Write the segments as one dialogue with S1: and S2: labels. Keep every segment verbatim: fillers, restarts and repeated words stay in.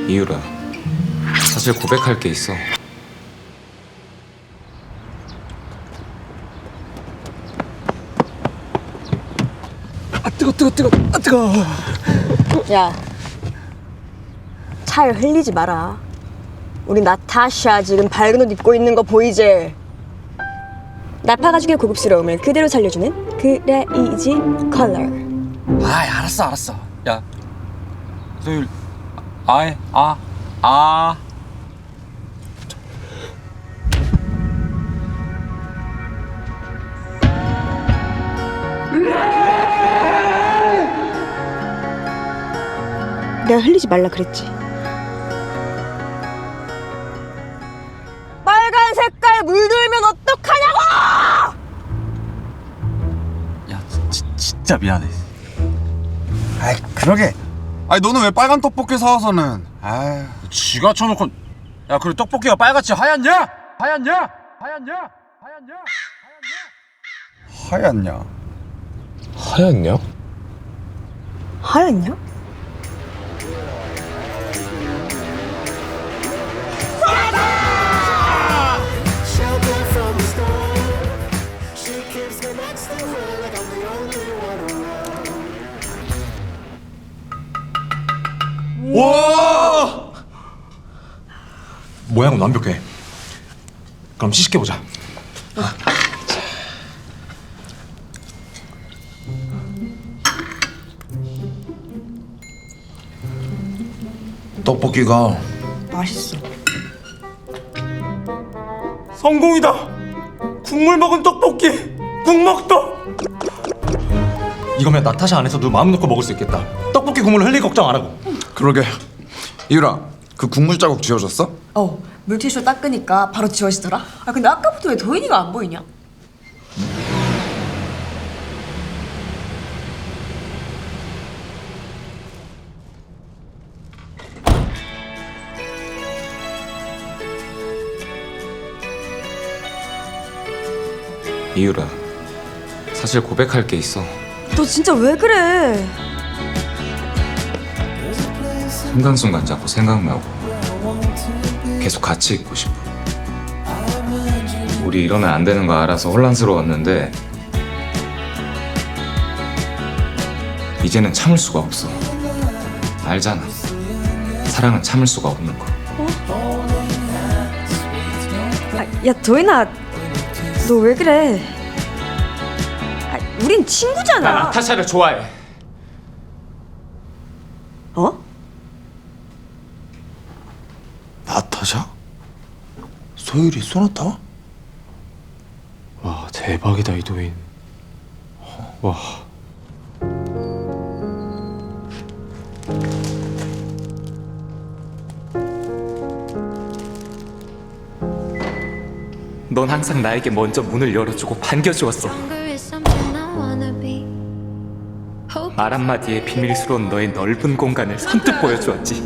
S1: 이유라, 사실 고백할 게 있어.
S2: 아 뜨거 뜨거 뜨거 아 뜨거.
S3: 야, 차에 흘리지 마라. 우리 나타샤 지금 밝은 옷 입고 있는 거 보이지? 나파 가죽의 고급스러움을 그대로 살려주는 그레이지 컬러.
S2: 아이 알았어 알았어. 야, 소율, 아이 아 아.
S3: 내가 흘리지 말라 그랬지. 빨간 색깔 물들면 어떡하냐고!
S2: 야, 지, 진짜 미안해.
S4: 아이 그러게. 아니 너는 왜 빨간 떡볶이 사와서는? 아유.
S2: 지가 쳐놓고. 야, 그리고 떡볶이가 빨갛지 하얗냐? 하얗냐? 하얗냐? 하얗냐?
S4: 하얗냐?
S1: 하얗냐?
S3: 하얗냐?
S5: Shelter from the storm. She keeps me next to her like I'm the only one around.
S6: 와! 모양은 완벽해. 그럼 시식해보자. 떡볶이가
S3: 맛있어.
S6: 성공이다! 국물 먹은 떡볶이! 국먹떡! 이거면 나타샤 안에서도 마음 놓고 먹을 수 있겠다. 떡볶이 국물 흘릴 걱정 안 하고.
S4: 그러게. 이유라, 그 국물 자국 지워졌어?
S7: 어, 물티슈 닦으니까 바로 지워지더라. 아 근데 아까부터 왜 도인이가 안 보이냐?
S1: 이유라, 사실 고백할 게 있어.
S3: 너 진짜 왜 그래?
S1: 순간순간 자꾸 생각나고 계속 같이 있고 싶어. 우리 이러면 안 되는 거 알아서 혼란스러웠는데 이제는 참을 수가 없어. 알잖아, 사랑은 참을 수가 없는 거.
S3: 아, 야 도인아, 너 왜 그래? 아, 우린 친구잖아.
S1: 나 나타샤를 좋아해.
S3: 어?
S4: 나타샤? 소율이 소나타?
S6: 와, 대박이다, 이도인. 와.
S1: 넌 항상 나에게 먼저 문을 열어주고 반겨주었어. 말 한마디에 비밀스러운 너의 넓은 공간을 선뜻 보여주었지.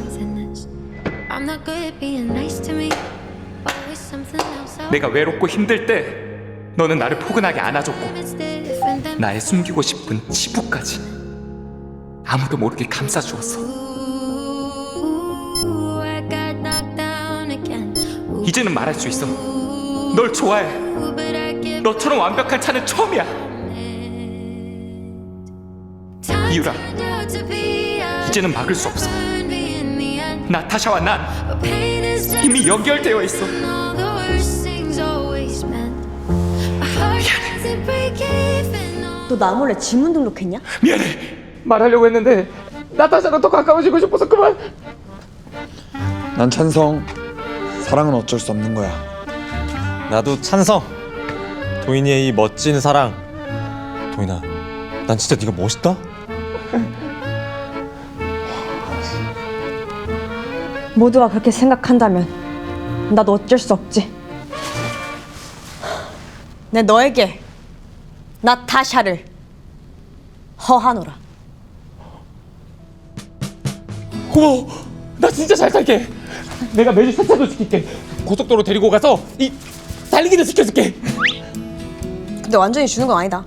S1: 내가 외롭고 힘들 때 너는 나를 포근하게 안아줬고 나의 숨기고 싶은 치부까지 아무도 모르게 감싸주었어. 이제는 말할 수 있어. 널 좋아해. 너처럼 완벽한 차는 처음이야. 이유라, 이제는 막을 수 없어. 나타샤와 난 이미 연결되어 있어.
S3: 너 나 몰래 지문 등록했냐?
S1: 미안해. 말하려고 했는데 나타샤가 더 가까워지고 싶어서 그만.
S4: 난 찬성. 사랑은 어쩔 수 없는 거야.
S6: 나도 찬성. 도인이의 이 멋진 사랑. 도인아, 난 진짜 네가 멋있다.
S3: 모두가 그렇게 생각한다면 나도 어쩔 수 없지. 내 너에게 나타샤를 허하노라.
S1: 고마워. 나 진짜 잘 살게. 내가 매주 세차도 시킬게. 고속도로 데리고 가서 이 달리기도 시켜줄게.
S3: 근데 완전히 주는 건 아니다.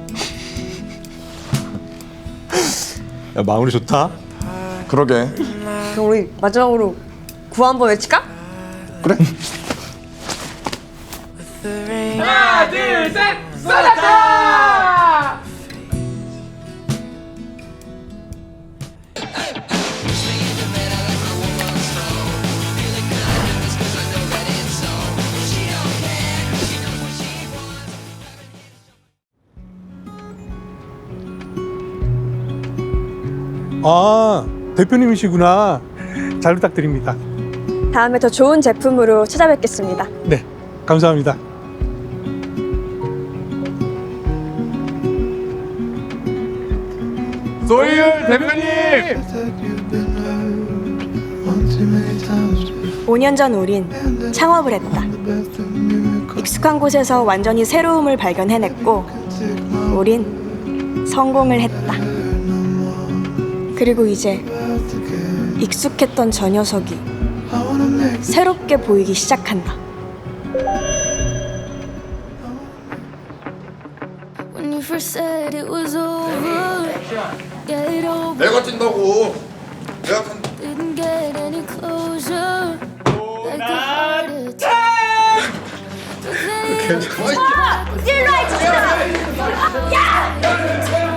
S6: 야, 마무리 좋다.
S4: 그러게.
S3: 그럼 우리 마지막으로 구호 한번 외칠까?
S4: 그래.
S1: 하나 둘셋 쏟았다.
S8: 아, 대표님이시구나. 잘 부탁드립니다.
S3: 다음에 더 좋은 제품으로 찾아뵙겠습니다.
S8: 네, 감사합니다.
S1: 소희율 대표님.
S3: 오 년 전 우린 창업을 했다. 익숙한 곳에서 완전히 새로움을 발견해냈고 우린 성공을 했다. 그리고 이제 익숙했던 저 녀석이 새롭게 보이기 시작한다.
S9: When you first said it was over, get over,
S4: 내가 뛴다고. 내가 간.
S9: didn't get any closure. Like a heart attack. But then
S4: 괜찮아.
S9: you